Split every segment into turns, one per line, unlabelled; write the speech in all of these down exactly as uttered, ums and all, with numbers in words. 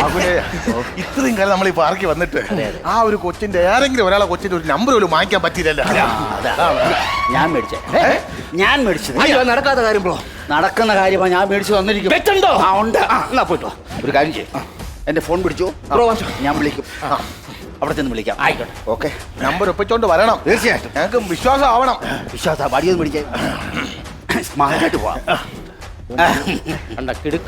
ഇത്രയും കാലം നമ്മൾ ഈ പാർക്കിൽ വന്നിട്ട് ആ ഒരു കൊച്ചിന്റെ ഏതെങ്കിലും ഒരാളെ കൊച്ചിന്റെ ഒരു നമ്പർ പോലും വാങ്ങിക്കാൻ പറ്റിയില്ലല്ലോ.
ഞാൻ മേടിച്ചേ ഞാൻ മേടിച്ചത്
നടക്കാത്ത കാര്യം ബ്രോ.
നടക്കുന്ന കാര്യമാണ് ഞാൻ മേടിച്ചു തന്നിരിക്കും.
വെച്ചുണ്ടോ?
ആ ഉണ്ട്. എന്നാ പോയിട്ടോ. ഒരു കാര്യം ചെയ്യും, എന്റെ ഫോൺ പിടിച്ചു
ബ്രോ.
ഞാൻ വിളിക്കും, അവിടെ ചെന്ന് വിളിക്കാം.
ആയിക്കോട്ടെ.
ഓക്കെ.
നമ്പർ ഒപ്പിച്ചോണ്ട് വരണം.
തീർച്ചയായിട്ടും
ഞങ്ങൾക്ക് വിശ്വാസം ആവണം.
വിശ്വാസ വടിയൊന്നും പിടിച്ചേ സ്മാർട്ടായിട്ട് പോവാം.
കണ്ട കിടുക്ക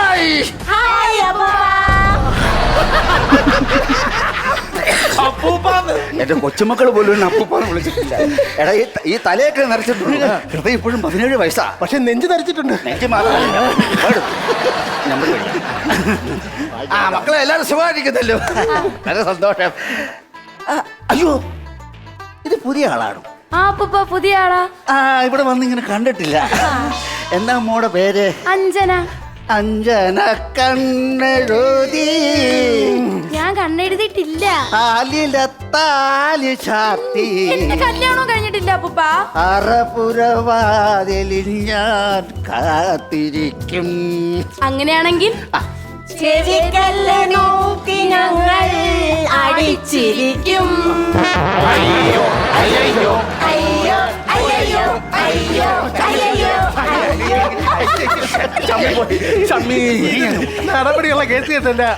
എന്റെ കൊച്ചുമക്കൾ പോലും അപ്പൂപ്പാന്ന് വിളിച്ചിട്ടില്ല. എടാ ഈ- ഈ തലയൊക്കെ നിറച്ചിട്ടുണ്ട്. ഹൃദയം ഇപ്പോഴും പതിനേഴ് വയസ്സാ.
പക്ഷെ നെഞ്ച് ധരിച്ചിട്ടുണ്ട്.
നെഞ്ച് മാത്രമല്ല നമ്പർ മേടിക്കാം. ആ മക്കളെ എല്ലാവരും സുഖമായിരിക്കുന്നല്ലോ. വളരെ സന്തോഷം. ആ, അയ്യോ ഇത് പുതിയ ആളാണ്.
ആ അപ്പൂപ്പ പുതിയ ആളാ.
ആ ഇവിടെ വന്ന് ഇങ്ങനെ കണ്ടിട്ടില്ല. എന്താ മോടെ പേര്?
അഞ്ജന.
അഞ്ജന കണ്ണെഴുതി
ഞാൻ കണ്ണെഴുതിയിട്ടില്ല.
ആലിലത്താലി ചാർത്തി
എന്റെ കല്യാണം കഴിഞ്ഞിട്ടില്ല അപ്പൂപ്പ.
അറപുരവാതിലിൽ ഞാൻ കാത്തിരിക്കും.
അങ്ങനെയാണെങ്കിൽ ചെവിക്കല്ല് നോക്കി ഞങ്ങൾ അടിച്ചിരിക്കും.
അയ്യോ അയ്യോ
അയ്യോ അയ്യോ അയ്യോ അയ്യോ
നടപടിയുള്ള കേസ് കേട്ടല്ല.